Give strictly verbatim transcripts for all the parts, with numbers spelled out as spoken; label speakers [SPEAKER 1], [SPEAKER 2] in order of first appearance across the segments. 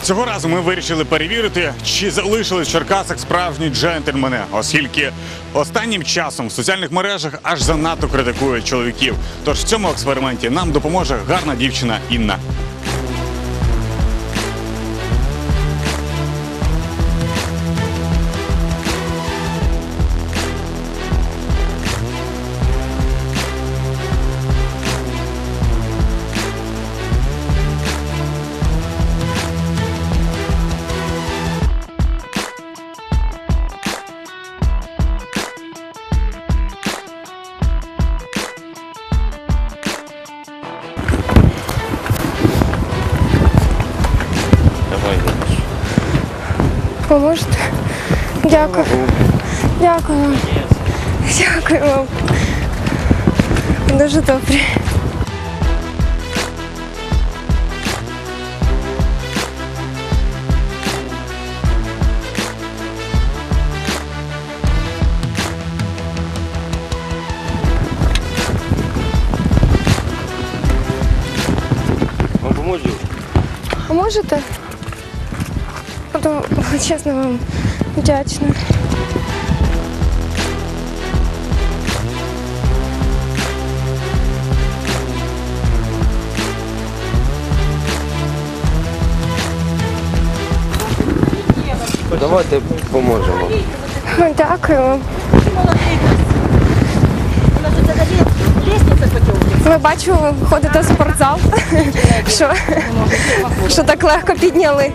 [SPEAKER 1] Цього разу ми вирішили перевірити, чи залишились в Черкасах справжні джентльмени, оскільки останнім часом в соціальних мережах аж занадто критикують чоловіків. Тож в цьому експерименті нам допоможе гарна дівчина Інна.
[SPEAKER 2] Поможете? Дякую. Дякую вам. Дякую вам. Дуже добре.
[SPEAKER 3] Вам поможу?
[SPEAKER 2] А можете? Буду чесно вам вдячна.
[SPEAKER 3] Давайте поможемо.
[SPEAKER 2] Дякую вам. Ви бачу, ви ходите в спортзал, що, що так легко підняли.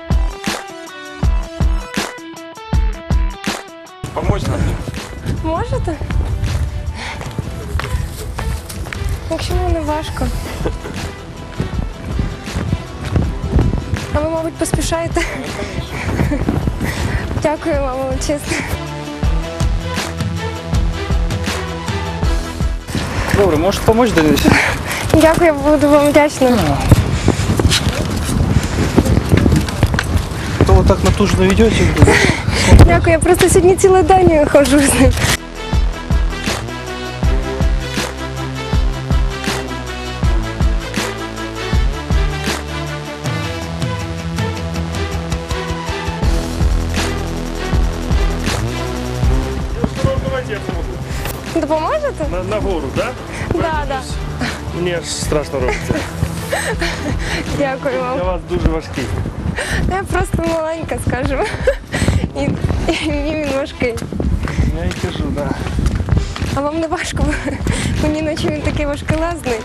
[SPEAKER 3] Помочь нам?
[SPEAKER 2] Можете? Якщо вам не важко. А ви, мабуть, поспішаєте? Дякую вам, чесно.
[SPEAKER 4] Добре, можеш допомогти, Денис?
[SPEAKER 2] Дякую, буду вам вдячна.
[SPEAKER 4] То ви так натужно ведете?
[SPEAKER 2] Дякую, я просто сьогодні цілий день ходжу з ним.
[SPEAKER 5] Давайте я помогу.
[SPEAKER 2] Допоможете?
[SPEAKER 5] На, на гору, да?
[SPEAKER 2] Да, да.
[SPEAKER 5] Мені аж страшно робиться.
[SPEAKER 2] Дякую
[SPEAKER 5] Я
[SPEAKER 2] вам.
[SPEAKER 5] вас дуже важкий.
[SPEAKER 2] Я просто маленька, скажімо. І, і мені він важкий.
[SPEAKER 5] Я і кажу, да.
[SPEAKER 2] А вам не важко? Мені наче він такий важкелезний.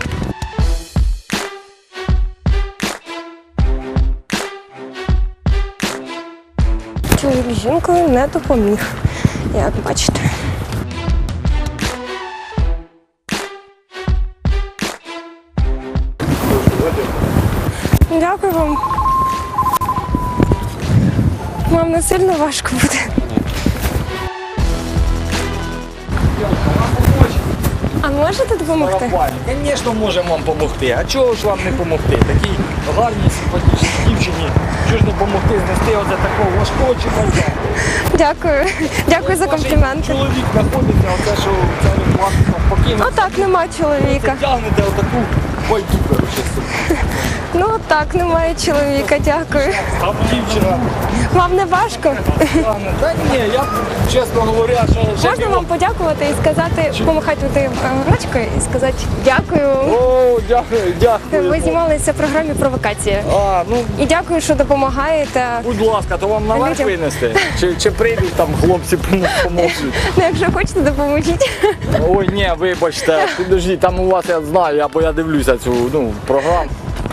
[SPEAKER 2] Чоловік з жінкою не допоміг, як бачите. Дякую вам. Вам не сильно важко буде. А можете допомогти?
[SPEAKER 4] Звісно, можемо вам допомогти. А чого ж вам не допомогти? Такій гарній, симпатичній дівчині. Чого ж не допомогти знести оце такого важкого чоловіка?
[SPEAKER 2] Дякую. Дякую за компліменти.
[SPEAKER 4] Чоловік знаходиться, оце що це ви вас там покинути.
[SPEAKER 2] Отак, нема чоловіка.
[SPEAKER 4] Тягнете отаку байду, коротше, собі.
[SPEAKER 2] Ну так, немає чоловіка, дякую.
[SPEAKER 4] Там дівчина
[SPEAKER 2] Вам не важко?
[SPEAKER 4] тягне. Та ні, я, чесно говоря, що...
[SPEAKER 2] Можна вам подякувати і сказати, помахати тим ручкою і сказати дякую.
[SPEAKER 4] О, дякую, дякую.
[SPEAKER 2] Ви знімалися в програмі «Провокація».
[SPEAKER 4] А, ну,
[SPEAKER 2] І дякую, що допомагаєте.
[SPEAKER 4] будь ласка, то вам наверх
[SPEAKER 2] Людям.
[SPEAKER 4] винести? Чи, чи прийдуть там хлопці поможуть?
[SPEAKER 2] Ну, якщо хочете, допоможіть.
[SPEAKER 4] Ой, ні, вибачте, підождіть, там у вас я знаю, або я дивлюся цю ну, програму.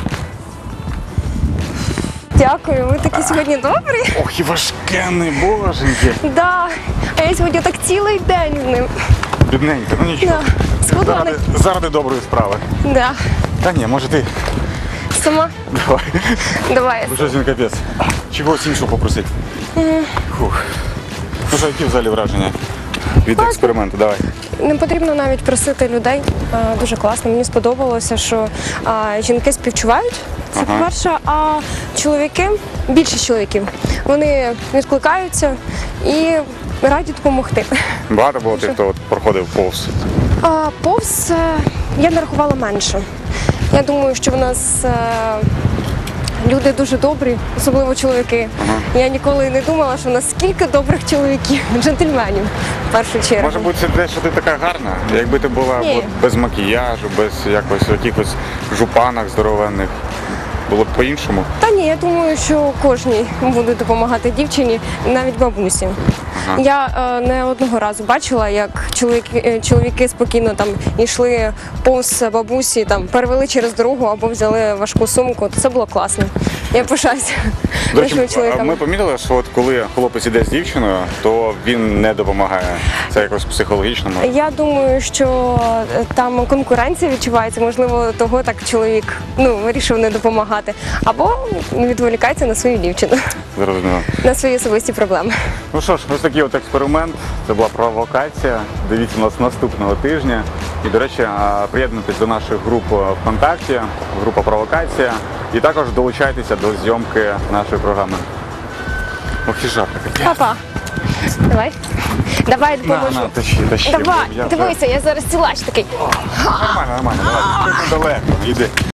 [SPEAKER 2] Дякую, ви такі сьогодні добрі.
[SPEAKER 1] Ох, і важкенний, боженьки.
[SPEAKER 2] Да. А я сьогодні так цілий день з ним.
[SPEAKER 1] Бідненька, ну нічого.
[SPEAKER 2] Да. Схудла.
[SPEAKER 1] Заради, заради доброї справи.
[SPEAKER 2] Да.
[SPEAKER 1] Та ні, може ти.
[SPEAKER 2] Сама.
[SPEAKER 1] Давай.
[SPEAKER 2] Давай.
[SPEAKER 1] Бо щось він капець. Чогось іншого попросити. Фух. Ну що, які взагалі враження від експерименту? Давай.
[SPEAKER 2] Не потрібно навіть просити людей. А, Дуже класно. Мені сподобалося, що а, жінки співчувають. Це
[SPEAKER 1] Ага.
[SPEAKER 2] по-перше, а чоловіки, більшість чоловіків, вони відкликаються і раді допомогти.
[SPEAKER 1] Багато було тих, хто от проходив повз.
[SPEAKER 2] А, повз е, я нарахувала менше. Я думаю, що в нас е, люди дуже добрі, особливо чоловіки. Я ніколи не думала, що наскільки добрих чоловіків, джентльменів в першу чергу.
[SPEAKER 1] Може бути, це те, що ти така гарна? Якби ти була
[SPEAKER 2] Ні.
[SPEAKER 1] от, без макіяжу, без якось якихось жупанок здоровенних, було б по-іншому.
[SPEAKER 2] Та ні, я думаю, що кожній буде допомагати дівчині, навіть бабусі.
[SPEAKER 1] Ага.
[SPEAKER 2] Я е, не одного разу бачила, як чоловіки, е, чоловіки спокійно там йшли повз бабусі, там перевели через дорогу або взяли важку сумку. Це було класно. Я пишаюся
[SPEAKER 1] До речі,
[SPEAKER 2] нашими чоловіками.
[SPEAKER 1] ми помітили, що от коли хлопець іде з дівчиною, то він не допомагає. Це якось психологічно. може?
[SPEAKER 2] Я думаю, що е, там конкуренція відчувається, можливо, того так чоловік ну, вирішив не допомагати. Або відволікається на свою дівчину,
[SPEAKER 1] Зрозуміло.
[SPEAKER 2] на свої особисті проблеми.
[SPEAKER 1] Ну що ж, ось такий от експеримент. Це була провокація. Дивіться нас наступного тижня. І, до речі, а, приєднуйтесь до наших груп ВКонтакті, група Провокація. І також долучайтеся до зйомки нашої програми. Ох, і жарко таке.
[SPEAKER 2] Папа, давай. Давай
[SPEAKER 1] На,
[SPEAKER 2] допоможу.
[SPEAKER 1] на, тащи, тащи.
[SPEAKER 2] Давай,
[SPEAKER 1] Я вже-
[SPEAKER 2] дивися, я зараз силач такий.
[SPEAKER 1] Нормально, нормально, давай. Тут недалеко, йди.